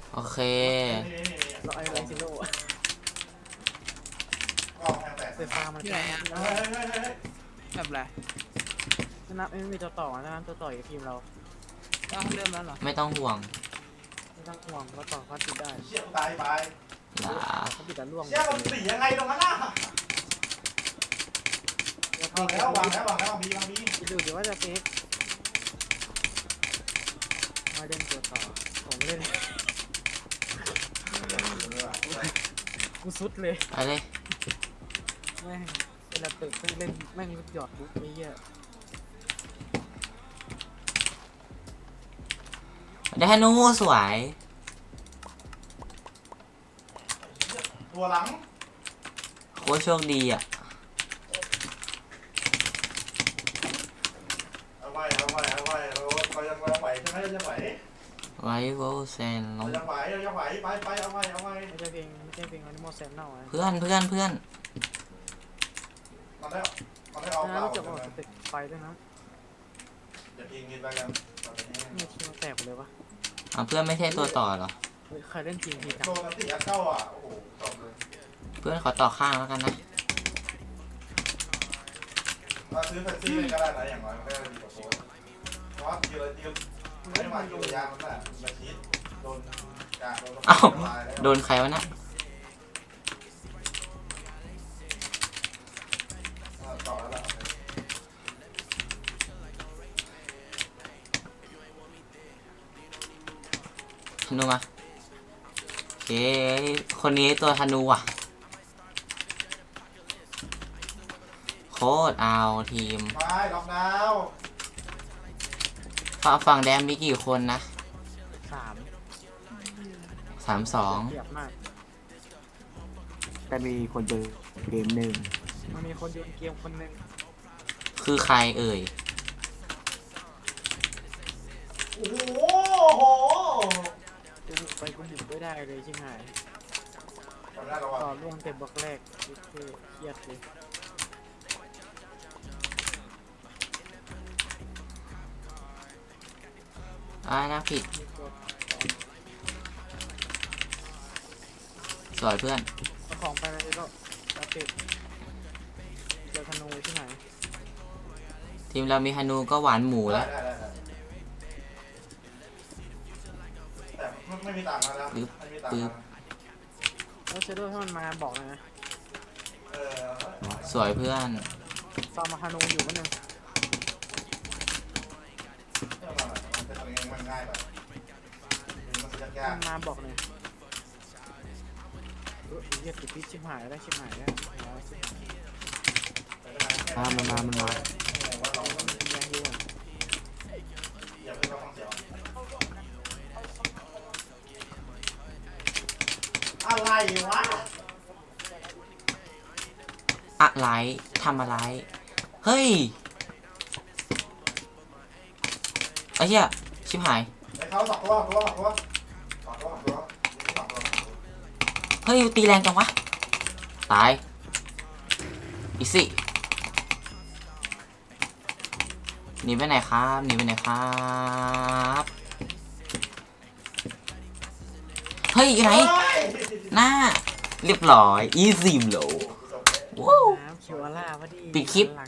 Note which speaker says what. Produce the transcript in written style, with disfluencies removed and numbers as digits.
Speaker 1: โอเค
Speaker 2: เราไอ้ไรซิโร่ไฟฟ้ามันแค่
Speaker 3: แบบไร
Speaker 2: นับไม่มีตัวต่อนะตัวต่ออยู่ทีมเรา
Speaker 3: เริ่มแล้วเหรอ
Speaker 1: ไม่ต้องห่วง
Speaker 2: ไม่ต้องห่วงเราต่อเขาติดได้
Speaker 4: เชี่ยตายไป
Speaker 1: อย่า
Speaker 2: เขาติดแต่ล่วง
Speaker 4: เชี่ยมันสียังไงตรงนั้นน่ะ
Speaker 2: แล้ว
Speaker 4: วางแล้ววางแล้ววางแล้ววางบีวางบี
Speaker 2: ดูดิว่าจะเซฟมาเล่นตัวต่อผมเล่นกูสุดเลย
Speaker 1: ไปเลย
Speaker 2: แม่งเวลาตึกเล่นแม่งหยอดบุ๊กไอ้เหี้ย
Speaker 1: ได้ธนูสวย
Speaker 4: ตัวหลัง
Speaker 1: โคตรโชคดีอ่ะ
Speaker 4: เอาไว้เรายังไหวใช่ไหมเรายังไหว
Speaker 1: ไวโวเซนล
Speaker 4: เรา
Speaker 1: ง
Speaker 4: ยังไหวไปเอาไว้
Speaker 2: ไม่ใช่เพลงAnimal Sam เน่าอ่ะ
Speaker 1: เพื่อน
Speaker 4: มันได้ออก
Speaker 2: นะ
Speaker 4: เปล่า
Speaker 2: รู้จักว่าตึกไฟด้วยนะ
Speaker 4: อย่าพิงกินไปกัน
Speaker 2: นี่ทีมแตกเลยวะ
Speaker 1: เพื่อนไม่ใช่ตัวต่อเหรอ
Speaker 2: ใครเล่นจริงทีจัง
Speaker 4: โดนตีอัดเข้าอ่ะโอ้โหจบเลย
Speaker 1: เพื่อนขอต่อข้างแล้วกันนะ
Speaker 4: มาซื้อแฟนซี่ก็ได้นะอย่างน้อยมันก็ดีกว่าโซ่เพราะว่ายืนไม่มาอยู่ยางมันน่ะมาชิดโดนกะ
Speaker 1: เอ้าโดนใครวะนะ
Speaker 4: ต่อแล้วล่ะ
Speaker 1: ธนูมาโอเคคนนี้ตัวธนูอ่ะโคตรเอาทีม
Speaker 4: ไม่ล็อกดาว
Speaker 1: ฝั่งแดงมีกี่คนนะ
Speaker 2: 3
Speaker 1: 32
Speaker 2: เกียบมาก
Speaker 5: แต่มีคนเจอเกมหนึ่ง
Speaker 2: มันมีคนโยนเกมคนหนึ่ง
Speaker 1: คือใครเอ่ย
Speaker 4: โอ้โห
Speaker 2: กูบุกไปกูบุกไม่ได้เลยใช่ไหม
Speaker 4: ทำได้แล้ว
Speaker 2: ต่อ
Speaker 4: อ่ะ
Speaker 2: ล่วงเต็มบล็อกแรกคือเครียดเลย
Speaker 1: นะผิด สวยเพื่อน
Speaker 2: เอาของไปเลยก็จะติดเจอธนูใช่ไหม
Speaker 1: ทีมเรามีธนูก็หวานหมูแล้ว
Speaker 4: ได้แต่ไม่มีต่างกันแล้วไม่มีต่างกัน
Speaker 2: แล้วเชโดว์ถ้ามันมาบอกเลยนะ
Speaker 1: สวยเพื่อน
Speaker 2: ฟาร์มธนูอยู่มันนึง
Speaker 4: มันง่ายแบบมันยาก
Speaker 2: มันมาบอกเลยเรียกติดพิษชิบหายได้ชิบหายได้
Speaker 5: มันมา
Speaker 2: ยังอยู่
Speaker 4: อย่าเพิ่งฟังเสียงอะไรวะ
Speaker 1: อะไรทำอะไร เฮ้ยไอ้เหี้ยชิบหาย
Speaker 4: ไอ้เขาสองตัว
Speaker 1: เฮ้ยตีแรงจังวะ ตาย อีสิหนีไปไหนครับหนีไปไหนครับ เฮ้ยอยู่ไหน หน้า เรียบร้อย อีซิมโลว้าว
Speaker 2: น้ำคิวอาร่าพอดี
Speaker 1: ปิดคลิป